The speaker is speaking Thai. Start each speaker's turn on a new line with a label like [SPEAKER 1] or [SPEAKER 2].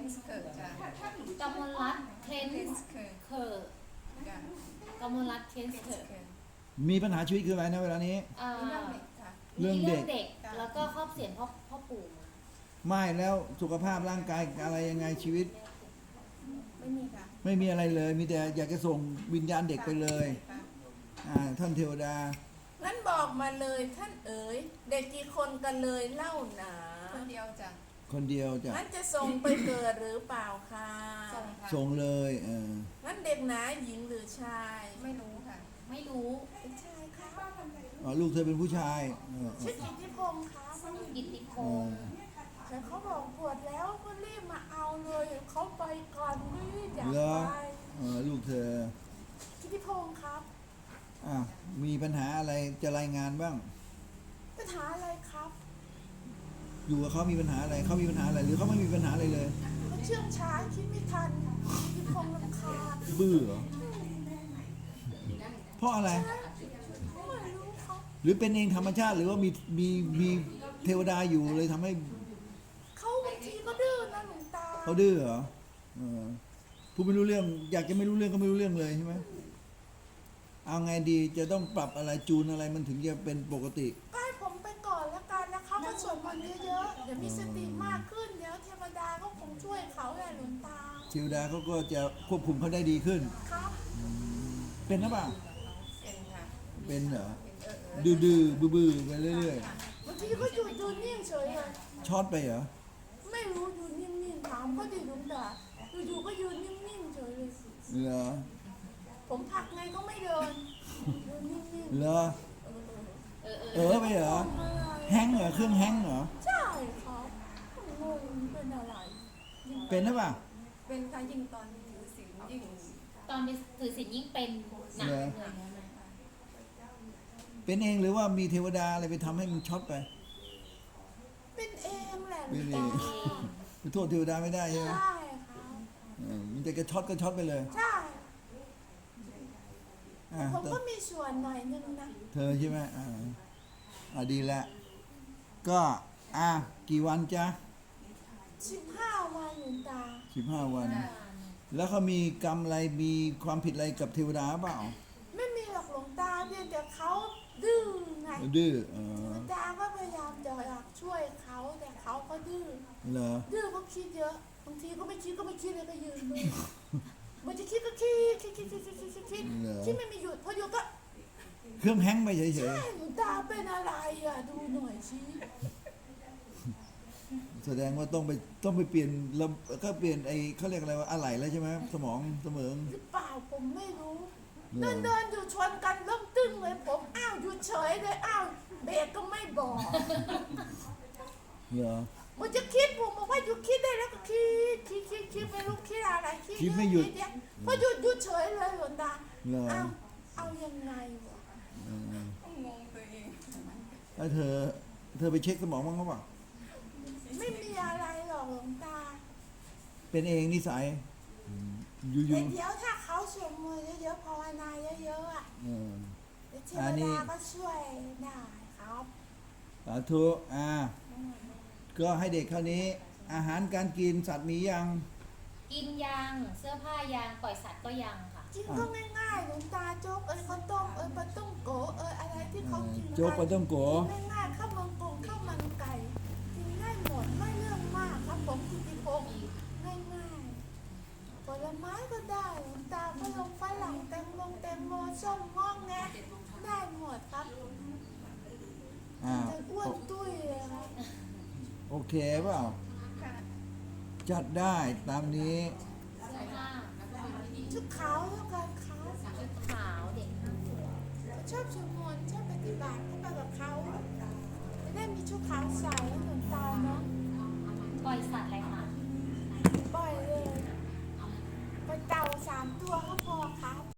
[SPEAKER 1] นส์เกิดจ้ะ
[SPEAKER 2] กมลรัตน์เคน
[SPEAKER 1] นส์เกิด
[SPEAKER 2] เคอร์
[SPEAKER 1] จ้ะ
[SPEAKER 2] กมลรัตน์เคนเคอร์
[SPEAKER 3] มีปัญหาชีวิตคืออะไรนะเวลานี้
[SPEAKER 1] มีเรื่องเด็กค่ะ
[SPEAKER 3] เรื่องเด็ก
[SPEAKER 2] แล้วก็ครอบเสียนพ่อปู่มา
[SPEAKER 3] ไม่แล้วสุขภาพร่างกายอะไรยังไงชีวิต
[SPEAKER 1] ไม่มีค่ะ
[SPEAKER 3] ไม่มีอะไรเลย มีแต่อยากจะส่งวิญญาณเด็กไปเลย
[SPEAKER 1] ค่ะ
[SPEAKER 3] ท่านเทวดา
[SPEAKER 4] งั้นบอกมาเลยท่านเอ๋ยเด็กกี่คนกันเลยเล่าหนา
[SPEAKER 1] คนเดียวจ้ะ
[SPEAKER 3] คนเดียวจะ
[SPEAKER 4] งั้นจะส่งไปเกิดหรือเปล่าคะ
[SPEAKER 1] ส่งค่ะ
[SPEAKER 3] ส่งเลย
[SPEAKER 4] งั้นเด็กหนาหญิงหรือชาย
[SPEAKER 1] ไม่รู้ค่ะ
[SPEAKER 2] ไม่รู้
[SPEAKER 4] เป็นชายคะ
[SPEAKER 3] ลูกเธอเป็นผู้ชาย
[SPEAKER 4] ชื่อกิตติพงษ์คะ
[SPEAKER 2] กิตติพงศ์
[SPEAKER 4] แต่เขาบอกปวดแล้วก็รีบมาเอาเลยเขาไปก่อนรีบอยาก
[SPEAKER 3] เหรอ
[SPEAKER 4] ไป
[SPEAKER 3] ลูกเธอ
[SPEAKER 4] กิตติพงษ์ครับ
[SPEAKER 3] มีปัญหาอะไรจะรายงานบ้าง
[SPEAKER 4] ปัญหาอะไรครับ
[SPEAKER 3] อยู่กับเขามีปัญหาอะไรเขามีปัญหาอะไรหรือเขาไม่มีปัญหาอะไรเลย
[SPEAKER 4] เขาเชื่องช้าคิดไม่ทันกิตติพงษ์รำคาญ
[SPEAKER 3] บื้อเหรอเพราะอะไร
[SPEAKER 4] ไม่รู้เขา
[SPEAKER 3] หรือเป็นเองธรรมชาติหรือว่ามีเทวดาอยู่เลยทำให้
[SPEAKER 4] เขาบางทีก็ดื้อนะหลวงตา
[SPEAKER 3] เขาดื้อเหรอผู้ไม่รู้เรื่อง อยากจะไม่รู้เรื่องก็ไม่รู้เรื่องเลยใช่ไหมเอาไงดีจะต้องปรับอะไรจูนอะไรมันถึงจะเป็นปกติ
[SPEAKER 4] ก็ให้ผมไปก่อนแล้วกันนะคะก็สวดมนต์เยอะๆเดี๋ยวมีสติมากขึ้นเดี๋ยวเทวดาก็คงช่วยเขาแหละหลวงตา
[SPEAKER 3] เทวดาเขาก็จะควบคุมเขาได้ดีขึ้น
[SPEAKER 4] ครับ
[SPEAKER 3] เป็นหรือเปล่า
[SPEAKER 1] เป็นค่ะ
[SPEAKER 3] เป็นเหรอ
[SPEAKER 1] เป็น
[SPEAKER 3] ดื้อบื้อไปเรื่อย
[SPEAKER 4] บางทีก็อยู่ดูนิ่งเฉยเลย
[SPEAKER 3] ๆช็อตไปเหรอ
[SPEAKER 4] ไม่รู้อยู่นิ่งๆถามก็ดีหลวงตาอยู่ๆก็ยืนนิ่งๆเฉยเลย
[SPEAKER 3] เหรอ
[SPEAKER 4] ผมผลักไงก็ไม่เดินยืนนิ่ง
[SPEAKER 3] เหรอ
[SPEAKER 4] ๆ
[SPEAKER 3] ไปเหรอแฮงก์เหรอเครื่องแฮงก์เหรอ
[SPEAKER 4] ใช่ครับงงเป็นอะไร
[SPEAKER 3] เป็นหรือเปล่า
[SPEAKER 1] เป็นค่ะยิ่งตอนถือศีลยิ่ง
[SPEAKER 2] ตอนไปถือศีลยิ่งเป็นหนักเลย
[SPEAKER 3] เป็นเองหรือว่ามีเทวดาอะไรไปทำให้มันช็อตไป
[SPEAKER 4] เป็นเองแหละหล
[SPEAKER 3] เป็
[SPEAKER 4] วน ง
[SPEAKER 3] เอ
[SPEAKER 4] ตาง
[SPEAKER 3] ไปโทษเทวดาไม่ได้ใช่ไหม
[SPEAKER 4] ใช่ครับ
[SPEAKER 3] มันจะกระช็อตก็ช็อตไปเลย
[SPEAKER 4] ใช่
[SPEAKER 3] อ่ะ
[SPEAKER 4] ผมก็มีส่วนหน่อยนึงนะ
[SPEAKER 3] เธอใช่ไหมดีแล้วก็กี่วันจ๊ะ
[SPEAKER 4] 15 วันหลวงตา
[SPEAKER 3] 15 วัน แล้วเขามีกรรมอะไรมีความผิดอะไรกับเทวดาเปล่า
[SPEAKER 4] ไม่มีหรอกหลวงตาเพียงแต่เขาดื้อไง
[SPEAKER 3] ดื้อ
[SPEAKER 4] หลวงตาก็พยายามจะอยากช่วยเขาแต่เขาก็ดื้อ
[SPEAKER 3] เหรอ
[SPEAKER 4] ดื้อก็คิดเยอะบางทีก็ไม่คิดเลยก็ยืนดูมันจะคิดก็คิดไม่มีหยุดพอหยุดก็
[SPEAKER 3] เครื่องแฮงก์ไปเฉย
[SPEAKER 4] ใช่หลวงตาเป็นอะไรอ่ะดูหน่อยสิ
[SPEAKER 3] ๆแสดงว่าต้องไปเปลี่ยนแล้วก็เปลี่ยนเขาเรียกอะไรว่าอะไหล่แล้วใช่ไหมสมองเสมอง
[SPEAKER 4] หรือเปล่าผมไม่รู้
[SPEAKER 3] เหรอ
[SPEAKER 4] เดินอยู่ชนกันเริ่มตึ้งเลยผมอ้าวหยุดเฉยเลยอ้าวเบรกก็ไม่บอก
[SPEAKER 3] เหรอ
[SPEAKER 4] มันจะคิดผมบอกว่าหยุดคิดได้แล้วก็คิดไม่รู้คิดอะไร
[SPEAKER 3] คิดไม่หยุด
[SPEAKER 4] เยพอหยุดเฉยเลยหลวงตา
[SPEAKER 3] เหรอ
[SPEAKER 4] เอายังไงวะ
[SPEAKER 1] งงตัวเอง
[SPEAKER 3] แล้วเธอไปเช็คสมองบ้างหรือเปล่า
[SPEAKER 4] ไม่มีอะไรหรอกหลวงตา
[SPEAKER 3] เป็นเองนิสัยอยู่
[SPEAKER 4] แต่เดี๋ยวถ้าเขาสวดมนต์เยอะๆภาวนาเยอะๆอ่ะ
[SPEAKER 3] ๆ
[SPEAKER 4] เดี๋ยวเท
[SPEAKER 3] อัน
[SPEAKER 4] ว
[SPEAKER 3] นี้
[SPEAKER 4] ดาก็ช่วยได้ครับ
[SPEAKER 3] สาธุก็ให้เด็กเท่านี้ อาหารการกินสัตว์มียัง
[SPEAKER 2] กินยางเสื้อผ้ายางปล่อยสัตว์ก็ยังค่ะ
[SPEAKER 4] กินก็ง่ายๆหลวงตาโจ๊กข้าวต้มปลาต้มโกอะไรที่เขากินกัน
[SPEAKER 3] โจ๊กปลาต้มโก
[SPEAKER 4] กินง่ายๆข้าวมันกุ้งข้าวมันไก่กินง่ายหมดไม่เรื่องมากครับผมกินที่พงง่ายๆผลไม้ก็ได้หลวงตาก็ลงฝรั่งแตงโมส้มงอกแงะได้หมดครับจะอ้วนตุ้ยเลยครับ
[SPEAKER 3] โอเคเปล่า
[SPEAKER 1] ค่ะ
[SPEAKER 3] จัดได้ตามนี้
[SPEAKER 2] เสื้อผ้า
[SPEAKER 4] ชุดขาวแล้วกันครับ
[SPEAKER 2] ชุดขาวเด็ก
[SPEAKER 4] ชอบสวดมนต์ชอบปฏิบัติให้ไปกับเขาจะได้มีชุดขาวใส่ให้หลวงตาเนาะ
[SPEAKER 2] ปล่อยสัตว์อะไรคะ
[SPEAKER 4] ปล่อยเลยไปเต่า3 ตัวก็พอครับ